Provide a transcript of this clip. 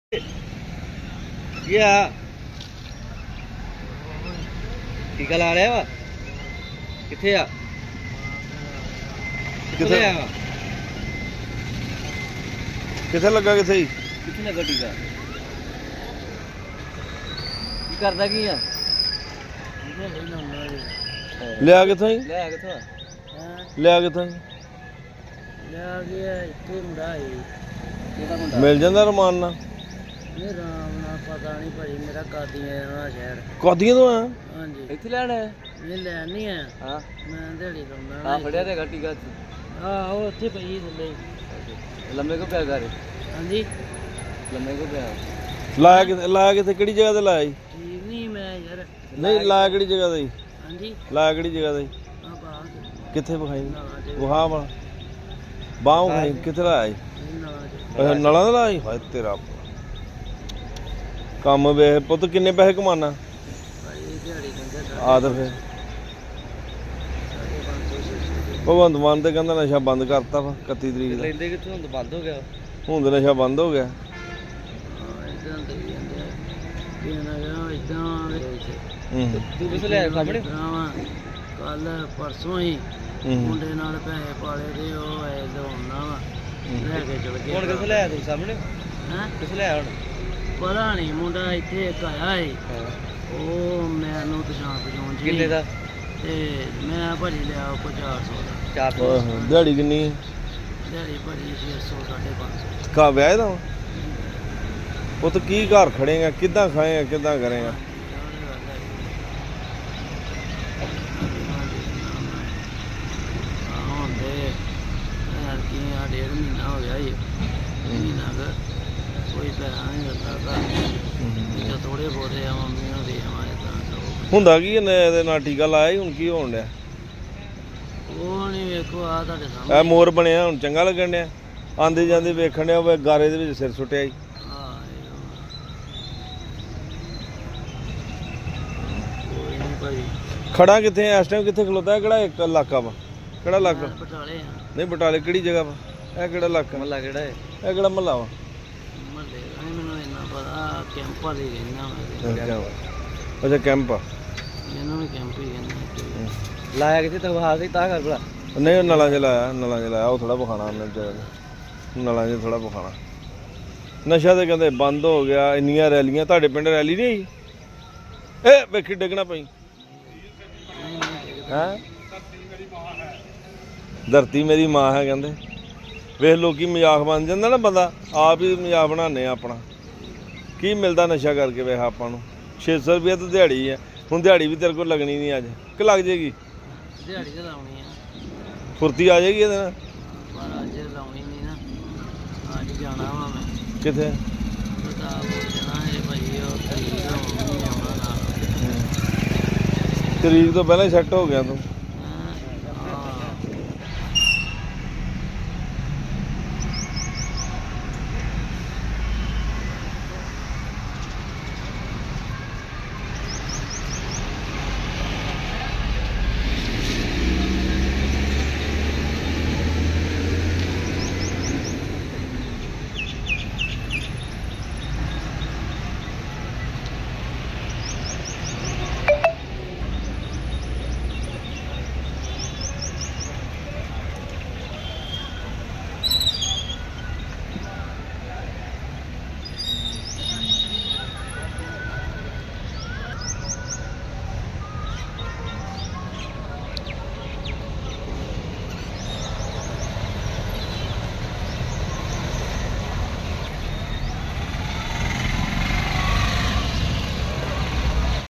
ਕੀ ਆ ਟੀਕਾ ਲਾ ਲਿਆ ਵਾ ਕਿੱਥੇ ਆ ਕਿੱਥੇ ਆ ਕਿੱਥੇ ਲੱਗਾ ਕਿੱਥੇ ਕਿੱਥੇ ਲੱਗਾ ਟੀਕਾ ਕੀ ਕਰਦਾ ਕੀ ਆ ਲਿਆ ਕਿੱਥੋਂ ਹੀ ਲੈ ਕਿੱਥੋਂ ਆ ਲਿਆ ਕਿੱਥੋਂ ਹੀ ਲੈ ਗਿਆ ਇੱਥੇ ਮੁੰਡਾ ਹੈ ਕਿਹਦਾ ਮੁੰਡਾ ਮਿਲ ਜਾਂਦਾ ਰਮਾਨ ਨਾਲ ਇਹ ਰਾਮ ਨਾਲ ਪਤਾ ਨਹੀਂ ਭਾਈ ਮੇਰਾ ਕਾਦੀਆਂ ਜਾਣਾ ਸ਼ਹਿਰ ਕਾਦੀਆਂ ਤੋਂ ਆ ਹਾਂਜੀ ਇੱਥੇ ਲੈਣਾ ਇਹ ਲੈਣ ਨਹੀਂ ਆ ਹਾਂ ਮੈਂ ਦਿਹਾੜੀ ਲਾਉਂਦਾ ਆ ਫੜਿਆ ਤੇ ਗੱਟੀ ਗਾ ਉਹ ਉੱਥੇ ਪਈ ਥੱਲੇ ਲੰਮੇ ਕੋ ਪਿਆ ਘਰੇ ਹਾਂਜੀ ਲੰਮੇ ਕੋ ਪਿਆ ਲਾਇਆ ਕਿੱਥੇ ਕਿਹੜੀ ਜਗ੍ਹਾ ਤੇ ਲਾਇਆ ਜੀ ਠੀਕ ਨਹੀਂ ਮੈਂ ਯਾਰ ਨਹੀਂ ਲਾਇਆ ਕਿਹੜੀ ਜਗ੍ਹਾ ਤੇ ਜੀ ਹਾਂਜੀ ਲਾਇਆ ਕਿਹੜੀ ਜਗ੍ਹਾ ਤੇ ਆ ਬਾਹਰ ਕਿੱਥੇ ਵਿਖਾਈ ਵਹਾ ਵਾਲਾ ਬਾਹ ਵਿਖਾਈ ਕਿੱਥੇ ਲਾਇਆ ਜੀ ਅੱਛਾ ਨਲਾਂ ਦਾ ਲਾਇਆ ਜੀ ਹਾਏ ਤੇਰਾ ਕੰਮ ਵੇਖ ਪੁੱਤ ਕਿੰਨੇ ਪੈਸੇ ਕਮਾਨਾ ਆ ਤਾਂ ਫਿਰ ਭਗਵੰਤ ਮਾਨ ਤੇ ਕਹਿੰਦਾ ਨਸ਼ਾ ਬੰਦ ਕਰਤਾ ਵਾ 31 ਤਰੀਕ ਦਾ ਲੈਂਦੇ ਕਿੱਥੋਂ ਹੁਣ ਬੰਦ ਹੋ ਗਿਆ ਹੁਣ ਤਾਂ ਨਸ਼ਾ ਬੰਦ ਹੋ ਗਿਆ ਤੂੰ ਕਿਸ ਲੈ ਸਾਹਮਣੇ ਕੱਲ ਪਰਸੋਂ ਹੀ ਮੁੰਡੇ ਨਾਲ ਪੈਸੇ ਪਾਲੇ ਤੇ ਉਹ ਐ ਲਾਉਣਾ ਵਾ ਲੈ ਕੇ ਚਲ ਗਿਆ ਹੁਣ ਕਿਸ ਲੈ ਤੂੰ ਸਾਹਮਣੇ ਹੈ ਕਿਸ ਲੈ ਹੁਣ ਪਤਾ ਨਹੀਂ ਮੁੰਡਾ ਇੱਥੇ ਇੱਕ ਆਇਆ ਏ ਉਹ ਮੈਨੂੰ ਪਛਾਣ ਜੀ ਕਿੰਨੇ ਦਾ ਤੇ ਮੈਂ ਭਾਜੀ ਲਿਆ ਕੋ 400 ਦਾ 400 ਦਿਹਾੜੀ ਕਿੰਨੀ ਹੈ ਦਿਹਾੜੀ ਭਾਜੀ 600 550 ਕਾ ਵਿਆਹ ਦਾ ਉਹ ਤਾਂ ਕੀ ਘਰ ਖੜੇਗਾ ਕਿੱਦਾਂ ਖਾਏਗਾ ਕਿੱਦਾਂ ਕਰੇਗਾ डेढ़ महीना हो गया ये महीना का कोई पैसा नहीं करता था थोड़े बहुत मम्मी दे ਹੁੰਦਾ ਕੀ ਇਹਦੇ ਨਾਲ ਟੀਕਾ ਲਾਇਆ ਹੁਣ ਕੀ ਹੋਣ ਡਿਆ ਉਹ ਨਹੀਂ ਵੇਖੋ ਆ ਤੁਹਾਡੇ ਸਾਹਮਣੇ ਇਹ ਮੋਰ ਬਣਿਆ ਹੁਣ ਚੰਗਾ ਲੱਗਣ ਡਿਆ ਆਂਦੇ ਜਾਂਦੇ ਵੇਖਣ ਡਿਆ ਉਹ ਗਾਰੇ ਦੇ ਵਿੱਚ ਸਿਰ ਸੁੱਟਿਆ ਜੀ ਖੜਾ ਕਿੱਥੇ ਇਸ ਟਾਈਮ ਕਿੱਥੇ ਖਲੋਤਾ ਹੈ ਕਿਹੜਾ ਇੱਕ ਇਲਾਕਾ ਵਾ ਕਿਹੜਾ ਇਲਾਕਾ ਬਟਾਲੇ ਆ ਨਹੀਂ ਬਟਾਲੇ ਕਿਹੜੀ ਜਗ੍ਹਾ ਵਾ ਇਹ ਕਿਹੜਾ ਇਲਾਕਾ ਮਹੱਲਾ ਕਿਹੜਾ ਹੈ ਇਹ ਕਿਹੜਾ ਮਹੱਲਾ ਵਾ ਮਹੱਲੇ ਮੈਨੂੰ ਇੰਨਾ ਪਤਾ ਕੈਂਪ ਵਾਲੇ ਕਹਿੰਦਾ ਅੱਛਾ ਕੈਂਪ ਆ ਇਹਨਾਂ ਨੂੰ ਕੈਂਪ ਹੀ ਕਹਿੰਦੇ ਲਾਇਆ ਕਿੱਥੇ ਤਨਖਾਹ ਸੀ ਤਾਂ ਕਰ ਭਲਾ ਨਹੀਂ ਉਹ ਨਲਾਂ 'ਚ ਲਾਇਆ ਉਹ ਥੋੜਾ ਵਿਖਾਣਾ ਉਹਨੇ ਨਲਾਂ 'ਚ ਥੋੜਾ ਵਿਖਾਣਾ ਨਸ਼ਾ ਤੇ ਕਹਿੰਦੇ ਬੰਦ ਹੋ ਗਿਆ ਇੰਨੀਆਂ ਰੈਲੀਆਂ ਤੁਹਾਡੇ ਪਿੰਡ ਰੈਲੀ ਨਹੀਂ ਆਈ ਇਹ ਵੇਖੀ ਡਿੱਗਣਾ ਪਈ ਹੈਂ ਧਰਤੀ ਮੇਰੀ ਮਾਂ ਹੈ ਕਹਿੰਦੇ ਵੇਖ ਲੋਕੀ ਮਜ਼ਾਕ ਬਣ ਜਾਂਦਾ ਨਾ ਬੰਦਾ ਆਪ ਹੀ ਮਜ਼ਾਕ ਬਣਾਉਂਦੇ ਆ ਆਪਣਾ ਕੀ ਮਿਲਦਾ ਨਸ਼ਾ ਕਰਕੇ ਵੇਖ ਆਪਾਂ ਨੂੰ 600 ਰੁਪਏ ਤਾਂ ਦਿਹਾੜੀ ਹੈ ਹੁਣ ਦਿਹਾੜੀ ਵੀ ਤੇਰੇ ਕੋਲ ਲੱਗਣੀ ਨਹੀਂ ਅੱਜ ਕਿ ਲੱਗ ਜਾਏਗੀ ਦਿਹਾੜੀ ਤਾਂ ਲਾਉਣੀ ਆ ਫੁਰਤੀ ਆ ਜਾਏਗੀ ਇਹਦੇ ਨਾਲ ਪਰ ਅੱਜ ਲਾਉਣੀ ਨਹੀਂ ਨਾ ਅੱਜ ਜਾਣਾ ਵਾ ਮੈਂ ਕਿੱਥੇ ਪਤਾ ਜਾਣਾ ਹੈ ਭਾਈ ਉਹ ਤਰੀਕ ਆਉਣਾ ਨਾਲ ਤਰੀਕ ਤੋਂ ਪਹਿਲਾਂ ਸੈੱਟ ਹੋ ਗਿਆ ਤੂੰ